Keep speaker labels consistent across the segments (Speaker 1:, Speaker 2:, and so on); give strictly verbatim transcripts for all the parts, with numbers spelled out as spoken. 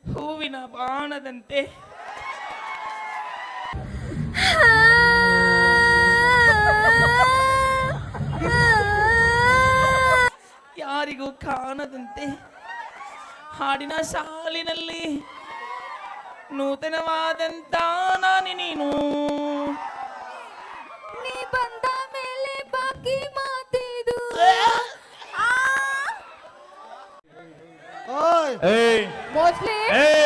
Speaker 1: ಹೂವಿನ ಬಾಣದಂತೆ ಯಾರಿಗೂ ಕಾಣದಂತೆ ಹಾಡಿನ ಸಾಲಿನಲ್ಲಿ ನೂತನವಾದಂತ ನಾನಿ ನೀನು
Speaker 2: ನೀ ಬಂದ ಮೇಲೆ ಬಾಕಿ ಮಾತಿದು
Speaker 3: ಓಯ್
Speaker 2: ಮೋಸ್ಟ್ಲಿ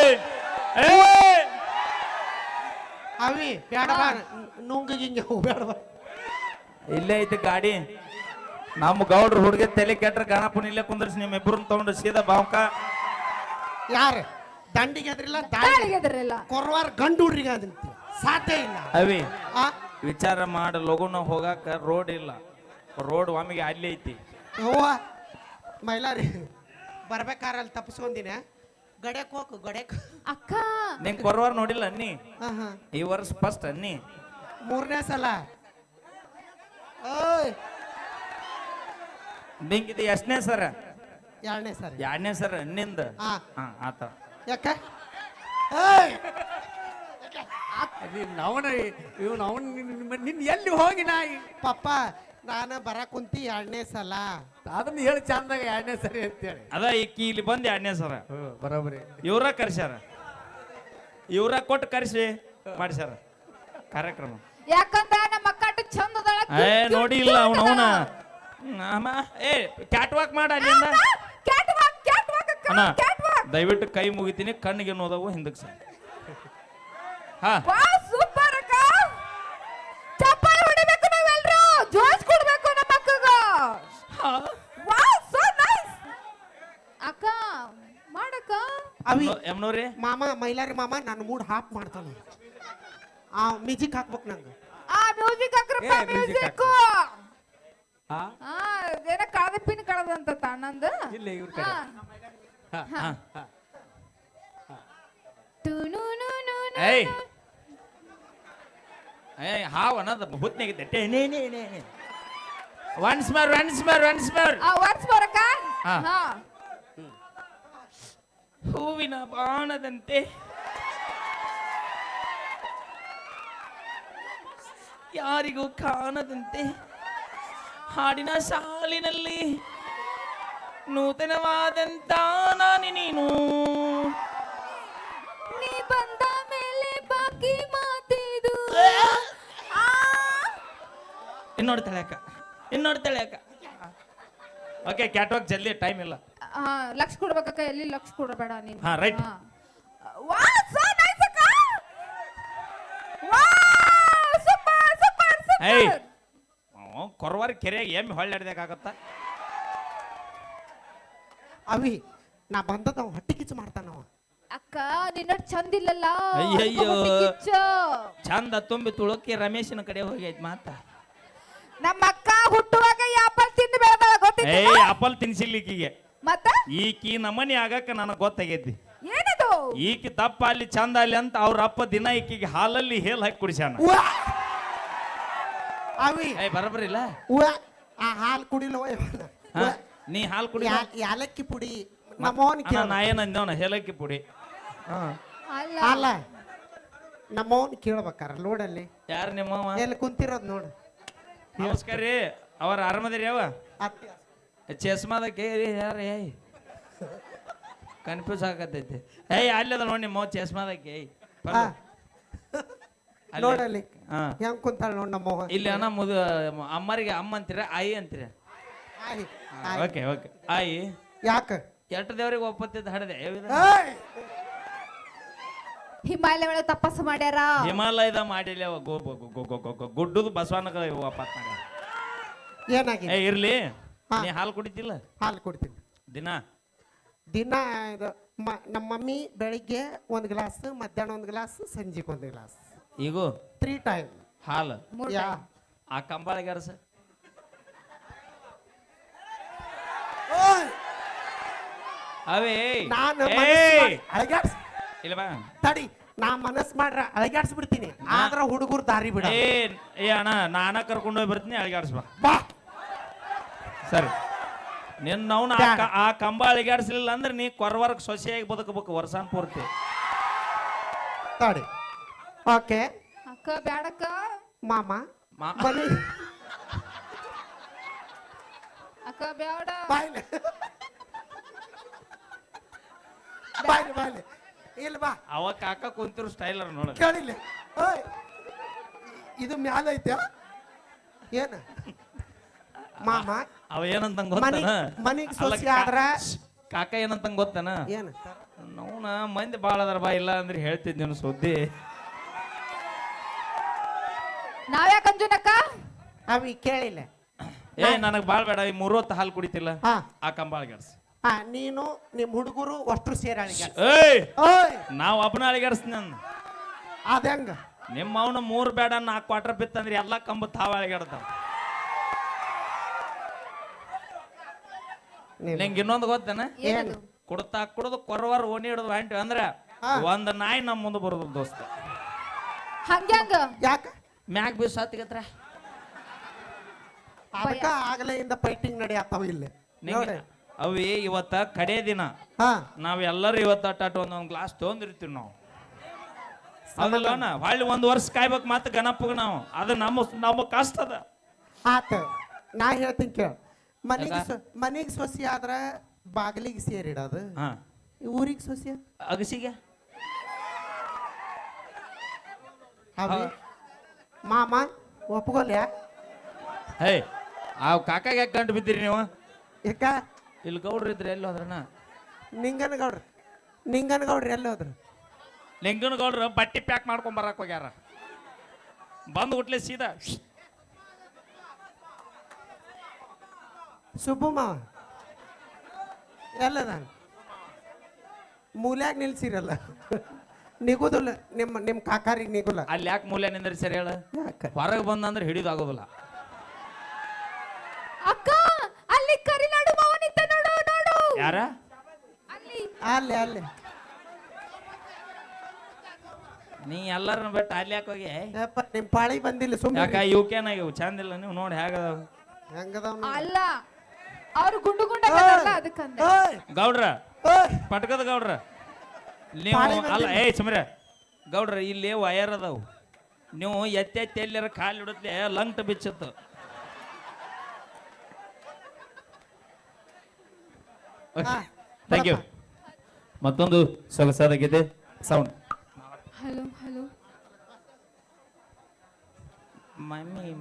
Speaker 3: ಅವಿ ಬೇಡ ಬಾ ನುಂಗಿಗೆ ಹಿಂಗೆ ಬೇಡ ಬಾ
Speaker 1: ಇಲ್ಲೇ ಐತಿ ಗಾಡಿ ನಮ್ಮ ಗೌಡ್ರ ಹುಡುಗ ತಲೆ ಕೆಟ್ರ ಗಣಪನ ಇಲ್ಲೇ ಕುಂದ್ರಿಸಿ ನಿಮ್ಮ ಇಬ್ಬರನ್ನ ತಗೊಂಡು ಸೀದಾ ಬಾವ್ಕ
Speaker 3: ಯಾರು ದಂಡಿಗೆ ಅದ್ರಿಲ್ಲ
Speaker 2: ದಾಳಿಗೆ ಎದರಿಲ್ಲ
Speaker 3: ಕೊರವಾರ ಗಂಡು ಹುಡ್ರಿಗೆ ಅದಂತ ಸಾಧ್ಯ ಇಲ್ಲ
Speaker 1: ಅವಿ
Speaker 3: ಆ
Speaker 1: ವಿಚಾರ ಮಾಡ ಲಗುನ ಹೋಗಾಕ ರೋಡ್ ಇಲ್ಲ ರೋಡ್ ಒಮ್ಮಿಗೆ ಅಲ್ಲಿ ಐತಿ
Speaker 3: ಅವ್ವ ಮೈಲಾರಿ ಬರ್ಬೇಕಾರ ಅಲ್ಲಿ ತಪ್ಪಿಸ್ಕೊಂದಿನ ಗಡ್ಯಾಕ್ ಹೋಗು ಗಡ್ಯಾಕ್
Speaker 2: ಅಕ್ಕ
Speaker 1: ನಿಂಗೆ ಬರುವಾರ ನೋಡಿಲ್ಲ ಅನ್ನಿ
Speaker 3: ಹಾ ಹಾ
Speaker 1: ಈ ವರ್ಷ ಫಸ್ಟ್ ಅನ್ನಿ
Speaker 3: ಮೂರನೇ ಸಲ ಓಯ್
Speaker 1: ನಿಂಗೆ ಇದು ಎಷ್ಟನೇ ಸರ
Speaker 3: ಎರಡನೇ ಸರಿ
Speaker 1: ಎರಡನೇ ಸರ ಅನ್ನಿಂದ
Speaker 3: ಹಾ
Speaker 1: ಹಾ ಆತ
Speaker 3: ಯಾಕ ಏಯ್
Speaker 4: ಅವನ ಇವನು ಅವನ್ ನಿನ್ ಎಲ್ಲಿ ಹೋಗಿ ನಾಯಿ
Speaker 3: ಪಪ್ಪ ನಾನು ಬರ ಕುಂತಿ ಎರಡನೇ ಸಲ
Speaker 4: ಅದನ್ನ ಹೇಳಿ ಚಂದಾಗ ಎರಡನೇ ಸರಿ ಅಂತೇಳಿ
Speaker 1: ಅದ ಈಕಿ ಇಲ್ಲಿ ಬಂದು ಎರಡನೇ ಸರ
Speaker 4: ಬರೋಬರಿ
Speaker 1: ಇವ್ರ ಕರ್ಸ್ಯಾರ ಇವ್ರ ಕೊಟ್ಟು ಕರ್ಸಿ ಮಾಡ್ಸ್ಯಾರ ಕಾರ್ಯಕ್ರಮ
Speaker 2: ಯಾಕಂದ್ರ ನಮ್ಮ ಅಕ್ಕ ಚಂದ ಅದಾಳ,
Speaker 1: ಏ
Speaker 2: cute,
Speaker 1: ನೋಡಿ
Speaker 2: cute
Speaker 1: ಇಲ್ಲ ಅವನು ಅವನ
Speaker 2: ಅದಾಳ.
Speaker 1: ಏ ಕ್ಯಾಟ್ ವಾಕ್ ಮಾಡ ಅಲ್ಲಿಂದ
Speaker 2: ಆ, catwalk, catwalk ಅಕ್ಕ,
Speaker 1: ಅಣ್ಣ
Speaker 2: catwalk.
Speaker 1: ದಯವಿಟ್ಟು ಕೈ ಮುಗಿತೀನಿ ಕಣ್ಣಿಗೆ ನೋದವು ಹಿಂದಕ್ಕೆ ಸರ್ ಹಾ
Speaker 2: ವಾಹ್, super ಅಕ್ಕ. ಚಪ್ಪಾಳೆ ಹೊಡಿಬೇಕು ನಾವೆಲ್ರು, ಜೋಶ್ ಕೊಡ್ಬೇಕು ನಮ್ಮ ಅಕ್ಕಗ. ವಾಹ್, so nice. ಅಕ್ಕ ಮಾಡಕ್ಕ
Speaker 3: ಅವಿ
Speaker 1: ಎಮ್ನೋರಿ
Speaker 3: ಮಾಮ ಮೈಲಾರಿ ಮಾಮ ನನ್ನ ಮೂಡ್ ಹಾಪ್ ಮಾಡ್ತಾನ ಆ ಮ್ಯೂಸಿಕ್ ಹಾಕ್ಬೇಕು ನಂಗೆ
Speaker 2: ಆ ಮ್ಯೂಸಿಕ್ ಹಾಕ್ರಪ್ಪ,
Speaker 4: ಏ, music
Speaker 2: ಮ್ಯೂಸಿಕ್.
Speaker 4: ಹಾ
Speaker 2: ಆ ಏನ ಕಳದ ಪಿನ್ ಕಳದಂತ ತಣ್ಣಂದ.
Speaker 4: ಇಲ್ಲ ಇವ್ರ ಕಡೆ ಹಾ,
Speaker 1: ಹಾ
Speaker 2: ಟುನುನುನುನು.
Speaker 1: ಏಯ್ ಏಯ್ ಹಾವ್ ಅನ್ನೋದು ಹುತ್ನಾಗಿದ್ದೆ ಟೇ ನೇ ನೇ ನೇ once more once more once more
Speaker 2: ಆ ವರ್ಸ್ ಬರಕ
Speaker 1: ಹಾ.
Speaker 2: ಹಾ
Speaker 1: ಹೂವಿನ ಬಾಣದಂತೆ ಯಾರಿಗೂ ಕಾಣದಂತೆ ಹಾಡಿನ ಸಾಲಿನಲ್ಲಿ ನೂತನವಾದಂತ ನಾನಿ ನೀನು
Speaker 2: ನೀ ಬಂದ ಮೇಲೆ ಬಾಕಿ ಮಾತಿದು ಆ
Speaker 1: ಇನ್ನೋಡ್ ತಳ್ಯಾಕ ಇನ್ನೋಡ್ ತಳ್ಯಾಕ ಓಕೆ ಕ್ಯಾಟ್ವಾಕ್ ಜಲ್ದಿ ಟೈಮ್ ಇಲ್ಲ
Speaker 2: ಆ, ಲಕ್ಷ ಕೊಡ್ಬೇಕಕ್ಕ, ಎಲ್ಲಿ ಲಕ್ಷ ಕೊಡಬೇಡ ನೀನು.
Speaker 1: ಹಾ, right.
Speaker 2: ವಾ ಸೋ ನೈಸ್ ಅಕ್ಕ. ವಾ ಸೂಪರ್ ಸೂಪರ್
Speaker 1: ಏಯ್
Speaker 2: ಸೂಪರ್.
Speaker 1: ಕೊರವಾರ ಕೆರೆಯಾಗ ಎಮ್ಮೆ ಹೊಳ್ಳಾಡ್ದಾಗತ್ತ
Speaker 3: ಅವಿ ನಾ ಬಂದದ ಅವ ಹೊಟ್ಟೆ ಕಿಚ್ಚು ಮಾಡ್ತಾನವ
Speaker 2: ಅಕ್ಕ ನಿನ್ನ ಚಂದಿಲ್ಲಲ್ಲ.
Speaker 1: ಅಯ್ಯಯ್ಯೋ.
Speaker 2: ಹೊಟ್ಟೆ ಕಿಚ್ಚು.
Speaker 1: ಚಂದ ತುಂಬಿ ತುಳುಕಿ ರಮೇಶನ ಕಡೆ ಹೋಗೈತ್ ಮಾತ
Speaker 2: ನಮ್ಮ ಅಕ್ಕ ಹುಟ್ಟುವಾಗ ಆಪಲ್ ತಿಂದು ಬೆಳೆದಾಳ ಗೊತ್ತಿಲ್ಲ.
Speaker 1: ಏಯ್ ಆಪಲ್ ತಿನ್ಸಿರ್ಲಿಕ್ಕಿಗೆ
Speaker 2: ಮತ್ತ
Speaker 1: ಈಕಿ ನಮನಿ ಆಗಕ್ಕ ನನಗೆ ಗೊತ್ತಾಗೈತಿ
Speaker 2: ಏನದು?
Speaker 1: ಈಕಿ ದಪ್ಪ ಅಲ್ಲಿ ಚಂದ ಅಲ್ಲಿ ಅಂತ ಅವ್ರ ಅಪ್ಪ ದಿನ ಈಕಿಗೆ ಹಾಲಲ್ಲಿ ಹೇಲ್ ಹಾಕಿ ಕುಡಿಸ್ಯಾನ
Speaker 3: ಉವ್ವ! ಅವಿ
Speaker 1: ಏಯ್ ಬರಬರಿಲ್ಲ
Speaker 3: ಉವ್ವ! ಆ ಹಾಲು ಕುಡಿಲವ
Speaker 1: ನೀ ಹಾಲು ಕುಡಿ
Speaker 3: ಯಾಲಕ್ಕಿ ಪುಡಿ ನಮ್ಮವನ್ ಕೇಳ
Speaker 1: ನಾ ಏನಂದವನ ಹೇಲಕ್ಕಿ ಪುಡಿ
Speaker 2: ಅಲ್ಲ
Speaker 3: ಅಲ್ಲ ನಮ್ಮವನ್ ಕೇಳ್ಬೇಕಾರ ಲೋಡಲ್ಲಿ
Speaker 1: ಯಾರು ನಿಮ್ಮವ
Speaker 3: ಎಲ್ಲಿ ಕುಂತಿರೋದ್ ನೋಡು
Speaker 1: ನಮಸ್ಕಾರ ರೀ ಅವ್ರ ಆರಾಮದಿರಿ ಯಾವ
Speaker 3: ಅತ್ತಿ
Speaker 1: ಚಸ್ಮಾದ ಕೇರಿ ಯಾರು ಏಯ್ ಕನ್ಫ್ಯೂಸ್ ಆಗತೈತಿ ಏಯ್ ಅಲ್ಲದ ನೋಡಿ ನಿಮ್ಮ ಚಸ್ಮಾದಕ್ಕೆ ಏಯ್
Speaker 3: ಹಾ.
Speaker 1: ಅಲ್ಲಿ.
Speaker 3: ನೋಡಲ್ಲಿ
Speaker 1: ಹಾ
Speaker 3: ಹೆಂಗ್ ಕುಂತಾಳ ನೋಡ್ ನಮ್ಮವ್ವ
Speaker 1: ಇಲ್ಲಿ ಅಣ್ಣ ಮುದು ಅಮ್ಮರಿಗೆ ಅಮ್ಮ ಅಂತೀರ ಆಯಿ ಅಂತೀರ
Speaker 3: ಆಯ್, ಆಯ್.
Speaker 1: ಓಕೆ ಓಕೆ ಆಯಿ
Speaker 3: ಯಾಕ
Speaker 1: ಎಷ್ಟು ದೇವ್ರಿಗೆ ಒಪ್ಪತ್ತಿದ್ದು ಹಡದೆ
Speaker 3: ಏಯ್!
Speaker 2: ಹಿಮಾಲಯ ಒಳಗೆ ತಪಸ್ಸು ಮಾಡ್ಯಾರ.
Speaker 1: ಹಿಮಾಲಯದ ಮಾಡಿಲ್ಲ ಅವ ಗೋ ಗೋ- ಗೋ- ಗೋ- ಗೋ- ಗೋ- ಗೋ- ಗುಡ್ಡದ ಬಸವನಗ ವಾಪಸ್ ಮಾಡ್ಯಾರ.
Speaker 3: ಏನಾಗಿದೆ
Speaker 1: ಏ ಇರ್ಲಿ
Speaker 3: ಹಾ.
Speaker 1: ನೀ ಹಾಲು ಕುಡಿತಿಲ್ಲ
Speaker 3: ಹಾಲು ಕೊಡ್ತೀನಿ
Speaker 1: ದಿನ
Speaker 3: ದಿನ ಇದು ಮ- ನಮ್ಮ ಮಮ್ಮಿ ಬೆಳಿಗ್ಗೆ ಒಂದು ಗ್ಲಾಸ್ ಮಧ್ಯಾಹ್ನ ಒಂದು ಗ್ಲಾಸ್ ಸಂಜೆಗೆ ಒಂದು ಗ್ಲಾಸ್
Speaker 1: ಈಗೂ
Speaker 3: ತ್ರೀ ಟೈಮ್
Speaker 1: ಹಾಲು
Speaker 2: ಮೂರ್
Speaker 3: ಯಾ
Speaker 2: time.
Speaker 1: ಆ ಕಂಬಾಳಿಗೆ ಅರಸ ಅವೇ
Speaker 3: ನಾನು
Speaker 1: ಏಯ್!
Speaker 3: ಮನಸ್ಸು ಮಾಡಿ ಅಳಗ್ಯಾಡ್ಸ್
Speaker 1: ಇಲ್ಲ ಬಾ
Speaker 3: ತಡಿ ನಾ ಮನಸ್ಸು ಮಾಡ್ರ ಅಳಗ್ಯಾಡ್ಸ್ಬಿಡ್ತೀನಿ ಆದ್ರ ಹುಡುಗರು ದಾರಿ ಬಿಡ
Speaker 1: ಏ ಏ ಅಣ್ಣ ನಾನ ಕರ್ಕೊಂಡು ಹೋಗಿ ಬರ್ತೀನಿ ಅಳಿಗಾಡ್ಸ್ ಬಾ
Speaker 3: ಬಾ
Speaker 1: ಸರಿ ನಿನ್ನ ಅವ್ನ ಆ ಕಂಬ ಅಳಿಗಾಡಿಸ್ಲಿಲ್ಲ ಅಂದ್ರೆ ನೀ ಕೊರವರ್ಗ ಸೊಸೆಯಾಗಿ ಬದುಕಬೇಕು ವರ್ಷಾನ್ ಪೂರ್ತಿ.
Speaker 3: ತಡಿ ಓಕೆ
Speaker 2: ಅಕ್ಕ ಬ್ಯಾಡಕ್ಕ.
Speaker 3: ಮಾಮ
Speaker 1: ಮಾ-
Speaker 3: ಮನಿ
Speaker 2: ಅಕ್ಕ ಬ್ಯಾಡ.
Speaker 3: ಬಾಯ್ಲೆ ಬಾಯ್ಲೆ ಬಾಯ್ಲೆ ಇಲ್ಲ ಬಾ
Speaker 1: ಅವ ಕಾಕ ಕುಂತಿರೋ ಸ್ಟೈಲರ್ ನೋಡ.
Speaker 3: ಕೇಳಿಲ್ಲ ಓಯ್ ಇದು ಮ್ಯಾಲ ಐತೆ ಏನ ಮಾಮ
Speaker 1: ಅವ ಏನಂತ
Speaker 3: ಮನಿ
Speaker 1: ಗೊತ್ತಾನ
Speaker 3: ಮನಿಗ್ ಸೊಸಿ ಆದ್ರ
Speaker 1: ಕಾಕ ಏನಂತ ಗೊತ್ತಾನ
Speaker 3: ಏನ
Speaker 1: ನೋನ ಮಂದಿ ಬಾಳ ಅದಾರ ಬಾ, ಇಲ್ಲ ಅಂದ್ರೆ ಹೇಳ್ತಿದ್ ಸುದ್ದಿ.
Speaker 2: ನಾವ್ಯಾಕ ಅಂಜುನಕ್ಕ?
Speaker 3: ಅವಿ ಕೇಳಿಲ್ಲ.
Speaker 1: ಏ ನನಗ್ ಬಾಳ್ ಬೇಡ, ಈ ಮೂರೊತ್ತು ಹಾಲು ಕುಡಿತಿಲ್ಲ
Speaker 3: ಹಾ
Speaker 1: ಆ ಕಂಬ ಅಳಿಗಾಡ್ಸಿ.
Speaker 3: ಹಾ ನೀನು ನಿಮ್ ಹುಡುಗರು ಅಷ್ಟ್ರು ಸೇರಿ ಅಳಿಗ
Speaker 1: ಏಯ್
Speaker 3: ಓಯ್
Speaker 1: ನಾವ್ ಒಬ್ಬನ ಅಳಿಗಾಡ್ಸ್ತೀನಿ ನಾನು.
Speaker 3: ಅದಂಗ
Speaker 1: ನಿಮ್ಮ ಅವನ ಮೂರ್ ಬೇಡ ನಾಲ್ಕು ಕ್ವಾರ್ಟರ್ ಬಿತ್ತಂದ್ರೆ ಎಲ್ಲಾ ಕಂಬ ತಾವ ಅಳಿಗಾಡ್ತಾವ. ನಿಂಗೆ ಇನ್ನೊಂದು ಗೊತ್ತೇನ?
Speaker 2: ಏನದು?
Speaker 1: ಕುಡ್ತಾ ಕುಡ್ದು ಕೊರವಾರ ಓಣಿ ಹಿಡಿದು ಹೊಂಟಿ ಅಂದ್ರೆ
Speaker 3: ಹಾ.
Speaker 1: ಒಂದ್ ನಾಯಿ ನಮ್ಮ ಮುಂದೆ ಬರೋದು ದೋಸ್ತ.
Speaker 2: ಹಂಗ್ಯಾಂಗ?
Speaker 3: ಯಾಕ
Speaker 1: ಮ್ಯಾಗ್ ಬೀಸ್ ಹತ್ತಿಗತ್ರ
Speaker 3: ಅದಕ್ಕ ಆಗಲೆಯಿಂದ ಫೈಟಿಂಗ್ ನಡೆಯತ್ತಾವ ಇಲ್ಲಿ ನೋಡಿ.
Speaker 1: ಅವಿ ಇವತ್ತ ಕಡೆ ದಿನ
Speaker 3: ಹಾ
Speaker 1: ನಾವ್ ಎಲ್ಲರೂ ಇವತ್ತ ಅಟ್ಟಾಟ ಒಂದೊಂದ್ ಗ್ಲಾಸ್ ತೊಗೊಂಡಿರ್ತೀವಿ ನಾವು. ಅದಲ್ಲೋನ ಹೊಳ್ಳಿ ಒಂದ್ ವರ್ಷ ಕಾಯ್ಬೇಕು ಮತ್ತೆ ಗಣಪಗ ನಾವು. ಅದು ನಮ್ಮ ನಮ್ಮ ಕಷ್ಟ ಅದ.
Speaker 3: ಆತ ನಾ ಹೇಳ್ತೀನಿ ಕೇಳ. ಮನಿಗೆ ಸ- ಮನಿಗೆ ಸೊಸಿ ಆದ್ರ ಬಾಗಿಲಿಗೆ ಸೇರಿಡೋದು,
Speaker 1: ಹಾ
Speaker 3: ಊರಿಗೆ ಸೊಸಿ
Speaker 1: ಅಗಸಿಗೆ
Speaker 3: ಅವಿ ಮಾಮ ಒಪ್ಕೊಲ್ಯಾ?
Speaker 1: ಹೇ ಆ ಕಾಕಾಗ ಯಾಕೆ ಗಂಟು ಬಿದ್ದೀರಿ ನೀವು?
Speaker 3: ಯಾಕ
Speaker 1: ಇಲ್ಲಿ ಗೌಡ್ರು ಇದ್ರಿ ಎಲ್ಲಿ ಹೋದ್ರನ?
Speaker 3: ನಿಂಗನಗೌಡ್ರಿ ನಿಂಗನಗೌಡ್ರಿ ಎಲ್ಲಿ ಹೋದ್ರು?
Speaker 1: ಲಿಂಗನ ಗೌಡ್ರು ಬಟ್ಟಿ ಪ್ಯಾಕ್ ಮಾಡ್ಕೊಂಡ್ ಬರಕ್ ಹೋಗ್ಯಾರ. ಬಂದು ಹುಟ್ಲೆ ಸೀದಾ
Speaker 3: ಸುಬ್ಬು ಮಾವ ಎಲ್ಲದ ಮೂಲ್ಯಾಗ ನಿಲ್ಸಿರಲ್ಲ ನಿಗುದಿಲ್ಲ ನಿಮ್ಮ ನಿಮ್ಮ ಕಾಕಾರಿಗೆ ನಿಗುಲ್ಲ.
Speaker 1: ಅಲ್ಲಿ ಯಾಕೆ ಮೂಲೆ ನಿಂದ್ರಿ ಸರಿ ಹೇಳ?
Speaker 3: ಯಾಕ
Speaker 1: ಹೊರಗೆ ಬಂದಂದ್ರೆ ಹಿಡಿದಾಗೋದಿಲ್ಲ.
Speaker 2: ಅಕ್ಕ ಅಲ್ಲಿ ಕರಿನಾಡು ಮಾವ ನಿಂತ ನೋಡು ನೋಡು.
Speaker 1: ಯಾರ?
Speaker 2: ಅಲ್ಲಿ
Speaker 3: ಅಲ್ಲಿ ಅಲ್ಲಿ
Speaker 1: ನೀ ಎಲ್ಲರನ್ನ ಬಿಟ್ಟು ಅಲ್ಲಿ ಯಾಕೆ ಹೋಗಿ?
Speaker 3: ಯಪ್ಪ ನಿಮ್ಮ ಪಾಳಿ ಬಂದಿಲ್ಲ ಸುಮ್ಮನೆ.
Speaker 1: ಯಾಕ ಇವಕೇನ ಇವು ಚಂದಿಲ್ಲ ನೀವು ನೋಡಿ ಹೇಗದಾವ
Speaker 3: ಹೆಂಗದವ್
Speaker 2: ಅಲ್ಲ ಅವ್ರು ಗುಂಡು ಗುಂಡಾಗಲ್ಲ ಅದಕ್ಕಂದ.
Speaker 1: ಗೌಡ್ರ ಪಟ್ಕದ ಗೌಡ್ರ ನೀವು ಅಲ್ಲ ಏ ಸುಮ್ರೆ ಗೌಡ್ರ ಇಲ್ಲಿ ವಯರ್ ಅದಾವು. ನೀವು ಎತ್ತೆ ಎತ್ತಿ ಎಲ್ಲರ ಕಾಲು ಹಿಡಿದ್ಲೆ ಲಂಗ್ಟ ಬಿಚ್ಚತ್ತು. Thank you. ಮತ್ತೊಂದು ಸೊಗಸಾದ ಗೀತೆ ಸೌಂಡ್